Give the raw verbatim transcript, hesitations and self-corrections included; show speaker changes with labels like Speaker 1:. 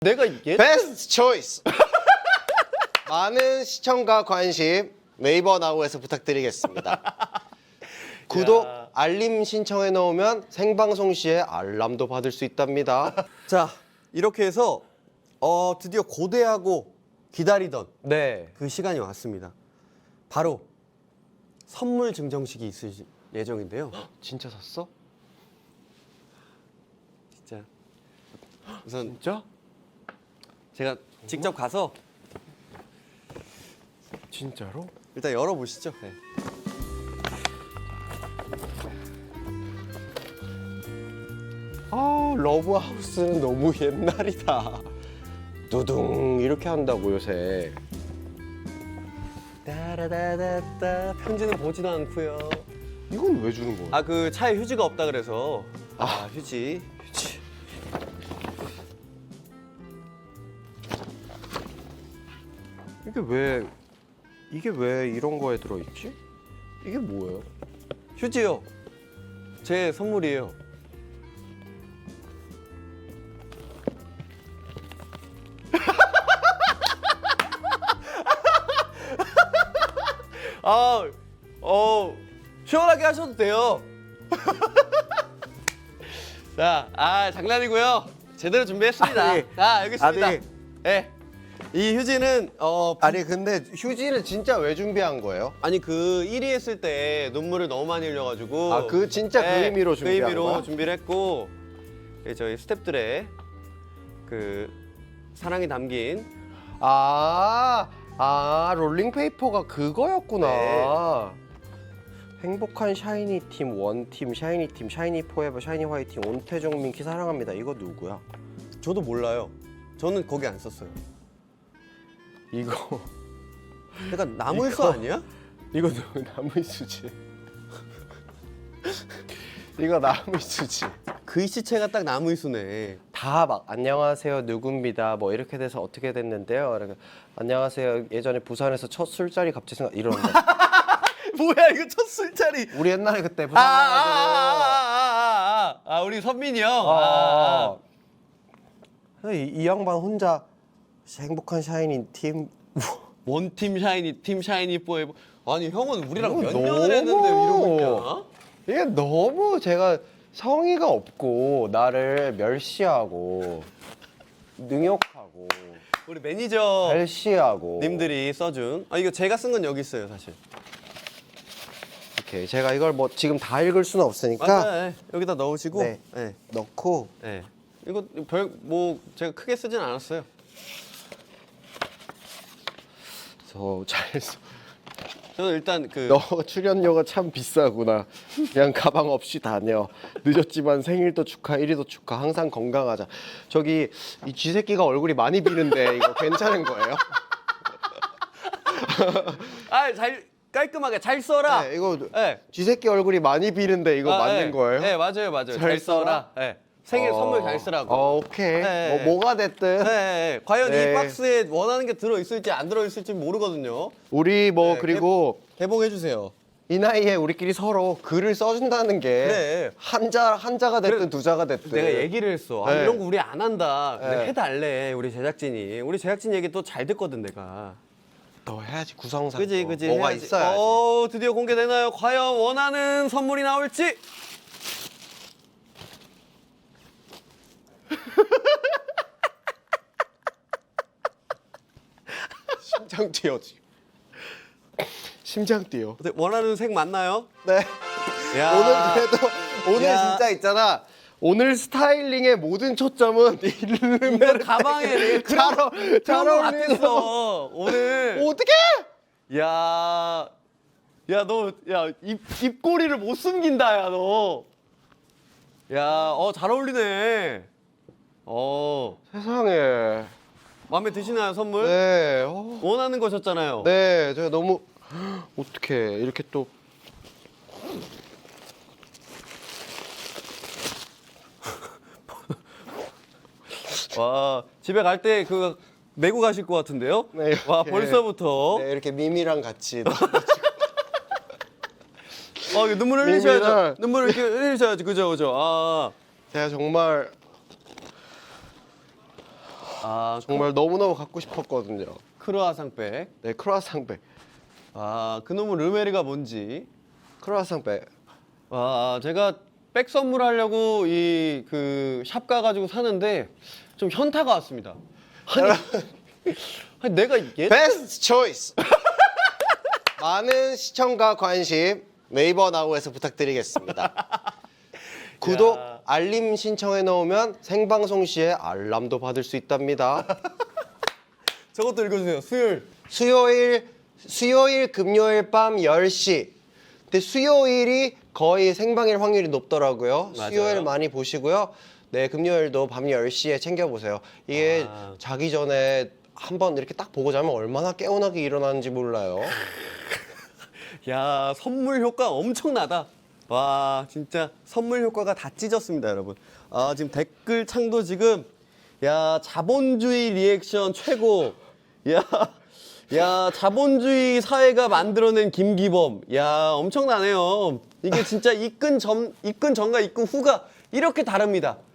Speaker 1: 내가 얘
Speaker 2: 베스트 초이스. 많은 시청과 관심 네이버 나우에서 부탁드리겠습니다. 구독,
Speaker 1: 야.
Speaker 2: 알림 신청해 놓으면 생방송 시에 알람도 받을 수 있답니다.
Speaker 3: 자, 이렇게 해서 어, 드디어 고대하고 기다리던
Speaker 1: 네.
Speaker 3: 그 시간이 왔습니다. 바로 선물 증정식이 있을 예정인데요.
Speaker 2: 진짜 샀어?
Speaker 3: 진짜 우선
Speaker 2: 진짜?
Speaker 3: 제가 직접 가서
Speaker 2: 진짜로?
Speaker 3: 일단 열어보시죠. 네.
Speaker 2: 아, 러브하우스는 너무 옛날이다. 두둥 이렇게 한다고 요새.
Speaker 3: 따라다다따 편지는 보지도 않고요.
Speaker 2: 이건 왜 주는 거야?
Speaker 3: 아, 그 차에 휴지가 없다 그래서 아, 휴지. 휴지.
Speaker 2: 이게 왜 이게 왜 이런 거에 들어 있지? 이게 뭐예요?
Speaker 3: 휴지요. 제 선물이에요. 아, 어, 시원하게 하셔도 돼요. 자, 아, 장난이고요. 제대로 준비했습니다.
Speaker 2: 아니,
Speaker 3: 자, 여기 있습니다.
Speaker 2: 아니.
Speaker 3: 예. 이 휴지는 어
Speaker 2: 아니 근데 휴지는 진짜 왜 준비한 거예요?
Speaker 3: 아니 그 일 위 했을 때 눈물을 너무 많이 흘려가지고
Speaker 2: 아, 그 진짜 그 의미로
Speaker 3: 그
Speaker 2: 준비한
Speaker 3: 의미로
Speaker 2: 거야?
Speaker 3: 준비를 했고 예, 저희 스태프들의 그 사랑이 담긴
Speaker 2: 아, 아 롤링페이퍼가 그거였구나.
Speaker 3: 네.
Speaker 2: 행복한 샤이니 팀 원팀 샤이니 팀 샤이니 포에버 샤이니 화이팅 온태종 민키 사랑합니다. 이거 누구야?
Speaker 3: 저도 몰라요. 저는 거기 안 썼어요.
Speaker 2: 이거
Speaker 3: 약간 나무일수
Speaker 2: 이거-
Speaker 3: 아니야?
Speaker 2: 이거 누구 나무이수지? 이거 나무이수지?
Speaker 3: 글씨체가 딱 나무일수네.
Speaker 2: 다 막 안녕하세요 누구입니다 뭐 이렇게 돼서 어떻게 됐는데요? 이렇게, 안녕하세요 예전에 부산에서 첫 술자리 갑자기 생각 이런 거.
Speaker 3: 뭐야 이거 첫 술자리.
Speaker 2: 우리 옛날에 그때
Speaker 3: 아,
Speaker 2: 부산
Speaker 3: 아, 아,
Speaker 2: 가가지고
Speaker 3: 아, 아, 아, 아, 우리 선민이 형. 아,
Speaker 2: 아, 아. 이, 이 양반 혼자 행복한 샤이니 팀
Speaker 3: 원팀 샤이니, 팀 샤이니 포에버. 아니 형은 우리랑
Speaker 2: 이거
Speaker 3: 몇
Speaker 2: 너무-
Speaker 3: 년을 했는데 이러고 있냐?
Speaker 2: 이게 너무 제가 성의가 없고 나를 멸시하고 능욕하고
Speaker 3: 우리 매니저
Speaker 2: 발시하고
Speaker 3: 님들이 써준. 아 이거 제가 쓴 건 여기 있어요 사실.
Speaker 2: 이렇게 제가 이걸 뭐 지금 다 읽을 수는 없으니까
Speaker 3: 맞아. 예. 여기다 넣으시고.
Speaker 2: 네.
Speaker 3: 네.
Speaker 2: 넣고
Speaker 3: 네. 이거 별 뭐 제가 크게 쓰진 않았어요.
Speaker 2: 저잘
Speaker 3: 저는 일단 그
Speaker 2: 너 출연료가 참 비싸구나. 그냥 가방 없이 다녀. 늦었지만 생일도 축하, 일 위도 축하. 항상 건강하자. 저기 이 쥐새끼가 얼굴이 많이 비는데 이거 괜찮은 거예요?
Speaker 3: 아, 잘 깔끔하게 잘 써라.
Speaker 2: 네, 이거
Speaker 3: 네.
Speaker 2: 쥐새끼 얼굴이 많이 비는데 이거
Speaker 3: 아,
Speaker 2: 맞는
Speaker 3: 네.
Speaker 2: 거예요?
Speaker 3: 네, 맞아요, 맞아요.
Speaker 2: 잘
Speaker 3: 잘, 써라.
Speaker 2: 써라?
Speaker 3: 네. 생일
Speaker 2: 어,
Speaker 3: 선물 잘 쓰라고.
Speaker 2: 어, 오케이.
Speaker 3: 네.
Speaker 2: 뭐, 뭐가 됐든
Speaker 3: 네, 네. 과연
Speaker 2: 네.
Speaker 3: 이 박스에 원하는 게 들어 있을지 안 들어 있을지 모르거든요.
Speaker 2: 우리 뭐
Speaker 3: 네,
Speaker 2: 그리고
Speaker 3: 개봉해 주세요.
Speaker 2: 이 나이에 우리끼리 서로 글을 써준다는 게
Speaker 3: 그래.
Speaker 2: 한자 한자가 됐든
Speaker 3: 그래.
Speaker 2: 두 자가 됐든
Speaker 3: 내가 얘기를 했어. 아,
Speaker 2: 네.
Speaker 3: 이런 거 우리 안 한다. 근데
Speaker 2: 네.
Speaker 3: 해달래 우리 제작진이. 우리 제작진 얘기 또 잘 듣거든 내가.
Speaker 2: 너 해야지 구성상.
Speaker 3: 그지
Speaker 2: 또.
Speaker 3: 그지.
Speaker 2: 뭐가
Speaker 3: 해야지.
Speaker 2: 있어야지.
Speaker 3: 어 드디어 공개되나요? 과연 원하는 선물이 나올지.
Speaker 2: 심장 뛰어 지금. 심장 뛰어.
Speaker 3: 어때, 원하는 색 맞나요?
Speaker 2: 네.
Speaker 3: 야.
Speaker 2: 오늘 그래도 오늘
Speaker 3: 야.
Speaker 2: 진짜 있잖아. 오늘 스타일링의 모든 초점은 이
Speaker 3: 이거
Speaker 2: 르메르
Speaker 3: 가방에 내가
Speaker 2: 잘, 어, 잘
Speaker 3: 그런 거
Speaker 2: 어울리는
Speaker 3: 같았어 오늘.
Speaker 2: 어떻게?
Speaker 3: 야, 야 너, 야 입 입꼬리를 못 숨긴다, 야 너. 야, 어 잘 어울리네. 어,
Speaker 2: 세상에.
Speaker 3: 마음에 드시나요 선물?
Speaker 2: 네. 어.
Speaker 3: 원하는 거셨잖아요.
Speaker 2: 네, 제가 너무 어떻게 이렇게 또
Speaker 3: 와, 집에 갈 때 그 메고 가실 것 같은데요?
Speaker 2: 네,
Speaker 3: 와,
Speaker 2: 이렇게.
Speaker 3: 벌써부터.
Speaker 2: 네, 이렇게 미미랑 같이
Speaker 3: 어, 이거 눈물 흘리셔야죠.
Speaker 2: 민미를-
Speaker 3: 눈물 이렇게 흘리셔야죠. 그죠, 그죠. 아,
Speaker 2: 제가 정말
Speaker 3: 아,
Speaker 2: 정말 너무너무 갖고 싶었거든요.
Speaker 3: 크로아상백.
Speaker 2: 네, 크로아상백.
Speaker 3: 아, 그놈의 르메리가 뭔지.
Speaker 2: 크로아상백.
Speaker 3: 아, 제가 백 선물하려고 이 그 샵 가가지고 사는데 좀 현타가 왔습니다. 아니, 아니 내가 얘
Speaker 2: 베스트 초이스. 많은 시청과 관심 네이버 나우에서 부탁드리겠습니다. 구독,
Speaker 3: 야.
Speaker 2: 알림 신청해 놓으면 생방송 시에 알람도 받을 수 있답니다.
Speaker 3: 저것도 읽어주세요. 수요일.
Speaker 2: 수요일, 수요일, 금요일 밤 열 시. 근데 수요일이 거의 생방일 확률이 높더라고요.
Speaker 3: 맞아요.
Speaker 2: 수요일 많이 보시고요. 네, 금요일도 밤 열 시에 챙겨보세요. 이게
Speaker 3: 아.
Speaker 2: 자기 전에 한번 이렇게 딱 보고 자면 얼마나 개운하게 일어나는지 몰라요.
Speaker 3: 야, 선물 효과 엄청나다. 와, 진짜 선물 효과가 다 찢었습니다, 여러분. 아, 지금 댓글 창도 지금 야, 자본주의 리액션 최고. 야, 야, 자본주의 사회가 만들어낸 김기범. 야, 엄청나네요. 이게 진짜 입근 전, 입근 전과 입근 후가 이렇게 다릅니다.